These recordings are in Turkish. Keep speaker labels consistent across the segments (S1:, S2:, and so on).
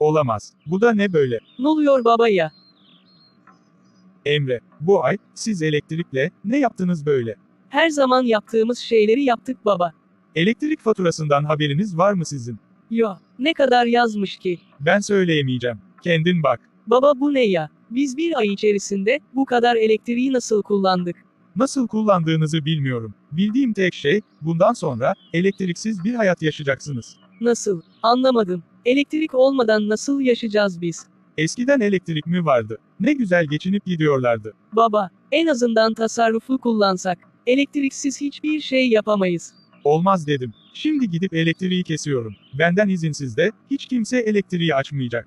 S1: Olamaz. Bu da ne böyle?
S2: Ne oluyor baba ya?
S1: Emre, bu ay, siz elektrikle, ne yaptınız böyle?
S2: Her zaman yaptığımız şeyleri yaptık baba.
S1: Elektrik faturasından haberiniz var mı sizin?
S2: Yo, ne kadar yazmış ki?
S1: Ben söyleyemeyeceğim. Kendin bak.
S2: Baba bu ne ya? Biz bir ay içerisinde bu kadar elektriği nasıl kullandık?
S1: Nasıl kullandığınızı bilmiyorum. Bildiğim tek şey, bundan sonra, elektriksiz bir hayat yaşayacaksınız.
S2: Nasıl? Anlamadım. Elektrik olmadan nasıl yaşayacağız biz?
S1: Eskiden elektrik mi vardı? Ne güzel geçinip gidiyorlardı.
S2: Baba, en azından tasarruflu kullansak. Elektriksiz hiçbir şey yapamayız.
S1: Olmaz dedim. Şimdi gidip elektriği kesiyorum. Benden izinsiz de, hiç kimse elektriği açmayacak.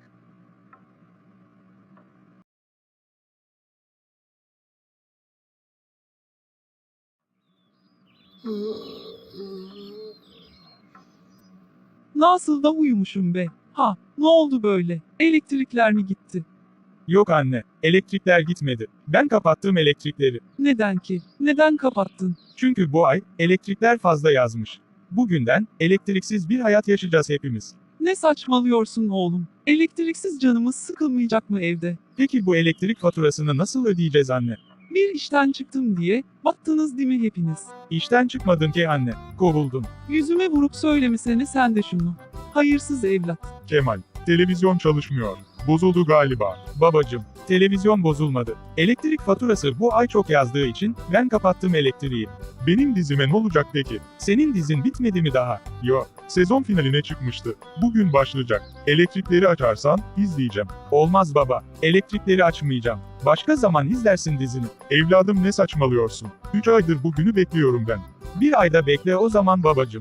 S3: Nasıl da uyumuşum be. Ha, ne oldu böyle? Elektrikler mi gitti?
S1: Yok anne, elektrikler gitmedi. Ben kapattım elektrikleri.
S3: Neden ki? Neden kapattın?
S1: Çünkü bu ay, elektrikler fazla yazmış. Bugünden, elektriksiz bir hayat yaşayacağız hepimiz.
S3: Ne saçmalıyorsun oğlum? Elektriksiz canımız sıkılmayacak mı evde?
S1: Peki bu elektrik faturasını nasıl ödeyeceğiz anne?
S3: Bir işten çıktım diye, battınız değil mi hepiniz?
S1: İşten çıkmadın ki anne, kovuldun.
S3: Yüzüme vurup söylemesene sen de şunu. Hayırsız evlat.
S1: Kemal, televizyon çalışmıyor. Bozuldu galiba. Babacım, televizyon bozulmadı. Elektrik faturası bu ay çok yazdığı için ben kapattım elektriği. Benim dizime ne olacak peki? Senin dizin bitmedi mi daha? Yo, sezon finaline çıkmıştı. Bugün başlayacak. Elektrikleri açarsan izleyeceğim. Olmaz baba, elektrikleri açmayacağım. Başka zaman izlersin dizini. Evladım ne saçmalıyorsun? 3 aydır bu günü bekliyorum ben. Bir ayda bekle o zaman babacım.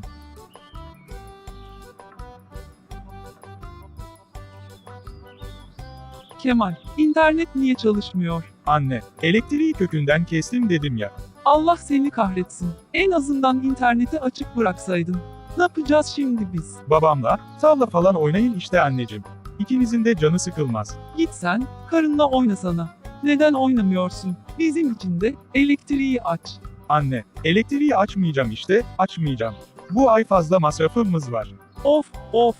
S3: Kemal, internet niye çalışmıyor?
S1: Anne, elektriği kökünden kestim dedim ya.
S3: Allah seni kahretsin. En azından interneti açık bıraksaydın. Ne yapacağız şimdi biz?
S1: Babamla, tavla falan oynayın işte anneciğim. İkinizin de canı sıkılmaz.
S3: Git sen, karınla oynasana. Neden oynamıyorsun? Bizim için de elektriği aç.
S1: Anne, elektriği açmayacağım işte, açmayacağım. Bu ay fazla masrafımız var.
S3: Of, of.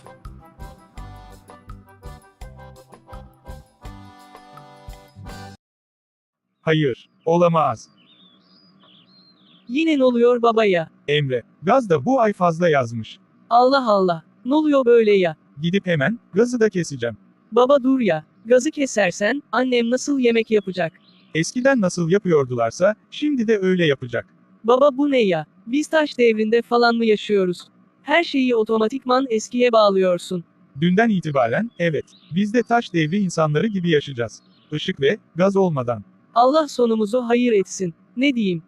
S1: Hayır, olamaz.
S2: Yine ne oluyor baba ya?
S1: Emre, gaz da bu ay fazla yazmış.
S2: Allah Allah. Ne oluyor böyle ya?
S1: Gidip hemen, gazı da keseceğim.
S2: Baba dur ya. Gazı kesersen, annem nasıl yemek yapacak?
S1: Eskiden nasıl yapıyordularsa, şimdi de öyle yapacak.
S2: Baba bu ne ya? Biz taş devrinde falan mı yaşıyoruz? Her şeyi otomatikman eskiye bağlıyorsun.
S1: Dünden itibaren, evet, biz de taş devri insanları gibi yaşayacağız. Işık ve, gaz olmadan.
S2: Allah sonumuzu hayır etsin. Ne diyeyim?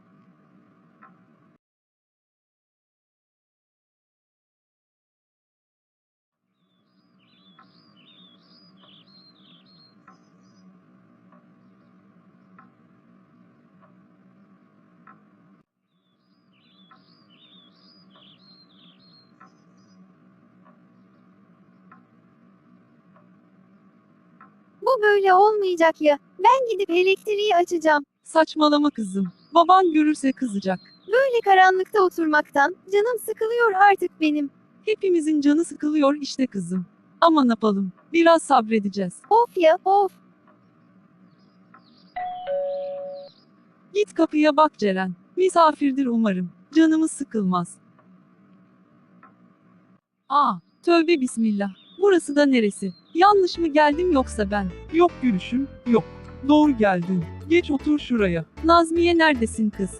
S4: Bu böyle olmayacak ya. Ben gidip elektriği açacağım.
S3: Saçmalama kızım. Baban görürse kızacak.
S4: Böyle karanlıkta oturmaktan canım sıkılıyor artık benim.
S3: Hepimizin canı sıkılıyor işte kızım. Ama ne yapalım? Biraz sabredeceğiz.
S4: Of ya of.
S3: Git kapıya bak Ceren. Misafirdir umarım. Canımız sıkılmaz. Aa, tövbe bismillah. Burası da neresi? Yanlış mı geldim yoksa ben? Yok gülüşüm, yok. Doğru geldin. Geç otur şuraya. Nazmiye neredesin kız?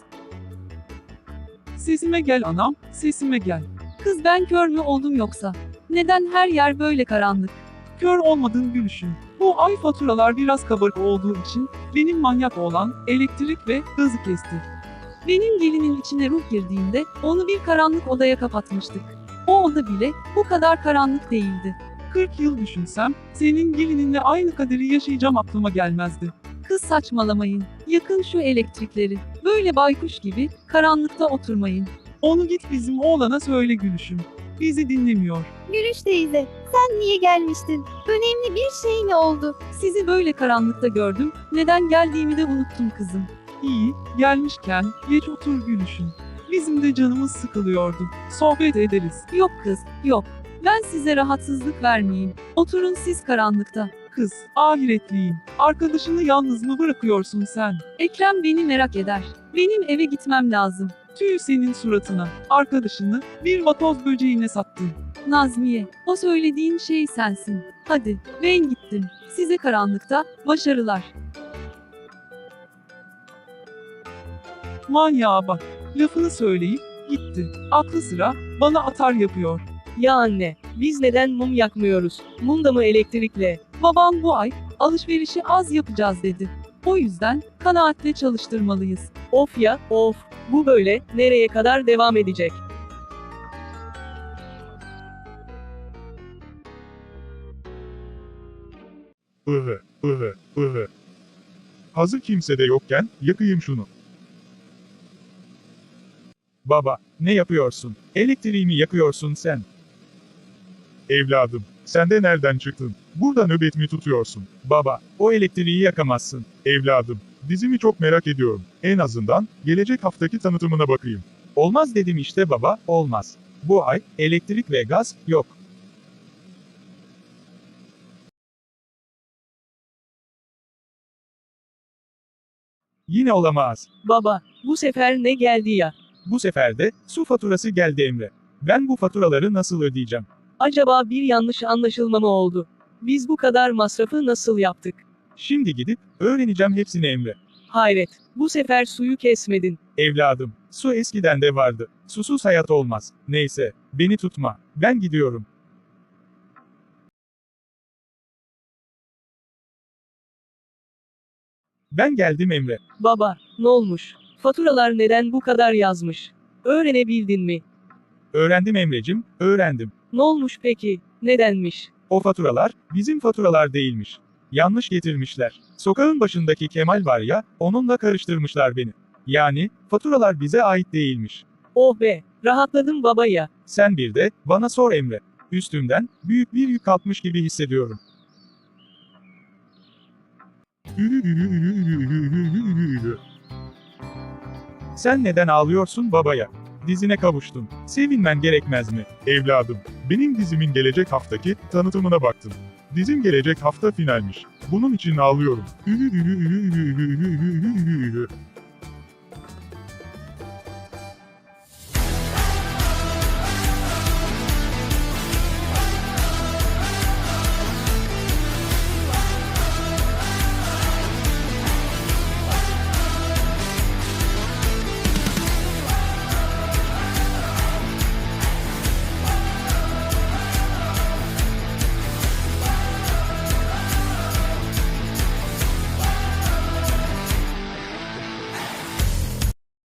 S3: Sesime gel anam, sesime gel. Kız ben kör mü oldum yoksa? Neden her yer böyle karanlık? Kör olmadın gülüşüm. Bu ay faturalar biraz kabarık olduğu için benim manyak olan elektrik ve gazı kesti. Benim gelinin içine ruh girdiğinde onu bir karanlık odaya kapatmıştık. O oda bile bu kadar karanlık değildi. 40 yıl düşünsem senin gelininle aynı kaderi yaşayacağım aklıma gelmezdi. Kız saçmalamayın. Yakın şu elektrikleri. Böyle baykuş gibi karanlıkta oturmayın. Onu git bizim oğlana söyle gülüşüm. Bizi dinlemiyor.
S4: Gülüş teyze, sen niye gelmiştin? Önemli bir şey mi oldu?
S3: Sizi böyle karanlıkta gördüm. Neden geldiğimi de unuttum kızım. İyi, gelmişken geç otur gülüşüm. Bizim de canımız sıkılıyordu. Sohbet ederiz. Yok kız, yok. Ben size rahatsızlık vermeyeyim. Oturun siz karanlıkta. Kız, ahiretliyim. Arkadaşını yalnız mı bırakıyorsun sen? Ekrem beni merak eder. Benim eve gitmem lazım. Tüy senin suratına. Arkadaşını bir vatoz böceğine sattın. Nazmiye, o söylediğin şey sensin. Hadi, ben gittim. Size karanlıkta başarılar. Manyağa bak. Lafını söyleyip gitti. Aklı sıra bana atar yapıyor.
S2: Ya anne, biz neden mum yakmıyoruz? Mum da mı elektrikle?
S3: Babam bu ay alışverişi az yapacağız dedi. O yüzden kanaatle çalıştırmalıyız.
S2: Of ya, of. Bu böyle, nereye kadar devam edecek?
S1: Ihı, ıhı, ıhı. Hazır kimse de yokken, yakayım şunu. Baba, ne yapıyorsun? Elektriğimi yakıyorsun sen. Evladım, sen de nereden çıktın? Burada nöbet mi tutuyorsun? Baba, o elektriği yakamazsın. Evladım, dizimi çok merak ediyorum. En azından, gelecek haftaki tanıtımına bakayım. Olmaz dedim işte baba, olmaz. Bu ay, elektrik ve gaz, yok. Yine olamaz.
S2: Baba, bu sefer ne geldi ya?
S1: Bu sefer de, su faturası geldi Emre. Ben bu faturaları nasıl ödeyeceğim?
S2: Acaba bir yanlış anlaşılma mı oldu? Biz bu kadar masrafı nasıl yaptık?
S1: Şimdi gidip, öğreneceğim hepsini Emre.
S2: Hayret, bu sefer suyu kesmedin.
S1: Evladım, su eskiden de vardı. Susuz hayat olmaz. Neyse, beni tutma. Ben gidiyorum. Ben geldim Emre.
S2: Baba, ne olmuş? Faturalar neden bu kadar yazmış? Öğrenebildin mi?
S1: Öğrendim Emrecim, öğrendim.
S2: Ne olmuş peki? Nedenmiş?
S1: O faturalar, bizim faturalar değilmiş. Yanlış getirmişler. Sokağın başındaki Kemal var ya, onunla karıştırmışlar beni. Yani, faturalar bize ait değilmiş.
S2: Oh be, rahatladım baba ya.
S1: Sen bir de, bana sor Emre. Üstümden, büyük bir yük kalkmış gibi hissediyorum. Sen neden ağlıyorsun babaya? Dizine kavuştun. Sevinmen gerekmez mi? Evladım, benim dizimin gelecek haftaki tanıtımına baktım. Dizim gelecek hafta finalmiş. Bunun için ağlıyorum.